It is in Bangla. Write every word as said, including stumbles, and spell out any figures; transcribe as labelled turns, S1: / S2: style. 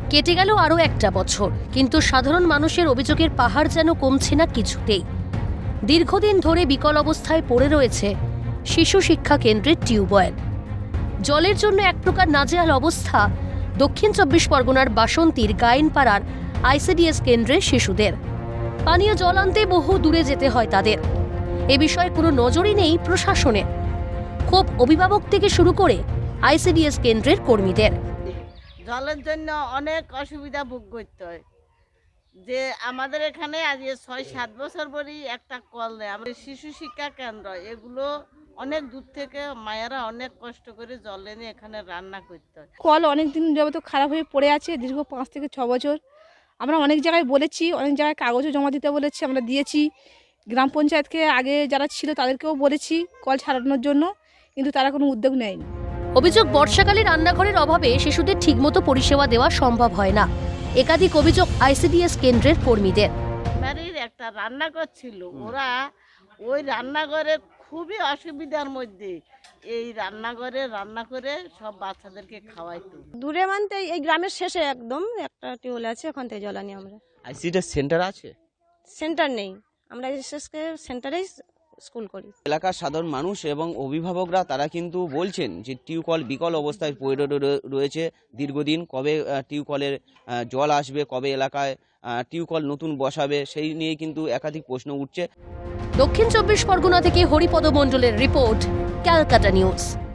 S1: কেটে গেল আরও একটা বছর, কিন্তু সাধারণ মানুষের অভিযোগের পাহাড় যেন কমছে না কিছুতেই। দীর্ঘদিন ধরে বিকল অবস্থায় পড়ে রয়েছে শিশু শিক্ষা কেন্দ্রের টিউবওয়েল। জলের জন্য এক প্রকার নাজেহাল অবস্থা দক্ষিণ চব্বিশ পরগনার বাসন্তীর গায়েনপাড়ার আইসিডিএস কেন্দ্রের শিশুদের। পানীয় জল আনতে বহু দূরে যেতে হয় তাদের। এ বিষয়ে কোনো নজরই নেই প্রশাসনের। ক্ষোভ অভিভাবক থেকে শুরু করে আইসিডিএস কেন্দ্রের কর্মীদের।
S2: জলের জন্য অনেক অসুবিধা ভোগ করতে হয়। যে আমাদের এখানে আজ ছয় সাত বছর পরই একটা কল দেয়। আমাদের শিশু শিক্ষা কেন্দ্র, এগুলো অনেক দূর থেকে মায়েরা অনেক কষ্ট করে জল এনে এখানে রান্না করতে হয়।
S3: কল অনেক দিন যাবত খারাপ হয়ে পড়ে আছে, দীর্ঘ পাঁচ থেকে ছ বছর। আমরা অনেক জায়গায় বলেছি, অনেক জায়গায় কাগজও জমা দিতে বলেছি, আমরা দিয়েছি। গ্রাম পঞ্চায়েতকে আগে যারা ছিল তাদেরকেও বলেছি কল ছাড়ানোর জন্য, কিন্তু তারা কোনো উদ্যোগ নেয়নি।
S1: অভিযোগ, বর্ষাকালে রান্নাঘরের অভাবে শিশুদের ঠিকমতো পরিষেবা দেওয়া সম্ভব হয় না। একাধিক অভিযোগ আইসিডিএস কেন্দ্রের কর্মীদের।
S2: বাড়ির একটা রান্নাঘর ছিল, ওরা ওই রান্নাঘরে খুবই অসুবিধার মধ্যে এই রান্নাঘরে রান্না করে সব বাচ্চাদেরকে খাওয়াইতো।
S4: দূরে মানতে এই গ্রামের শেষে একদম একটা টিউবওয়েল আছে, ওখান থেকে জল আনি আমরা।
S5: আইসিডিএস সেন্টার আছে?
S4: সেন্টার নেই, আমরা এসএসকে সেন্টারেই স্কুল করি।
S5: এলাকার সাধারণ মানুষ এবং অভিভাবকরা তারা কিন্তু বলছেন যে টিউকল বিকল অবস্থায় পড়ে রয়ে- রয়েছে দীর্ঘদিন। কবে আহ, টিউকলের আহ, জল আসবে, কবে এলাকায় আহ, টিউকল নতুন বসাবে, সেই নিয়ে কিন্তু একাধিক প্রশ্ন উঠছে।
S1: দক্ষিণ চব্বিশ পরগনা থেকে হরিপদ মণ্ডলের রিপোর্ট, ক্যালকাটা নিউজ।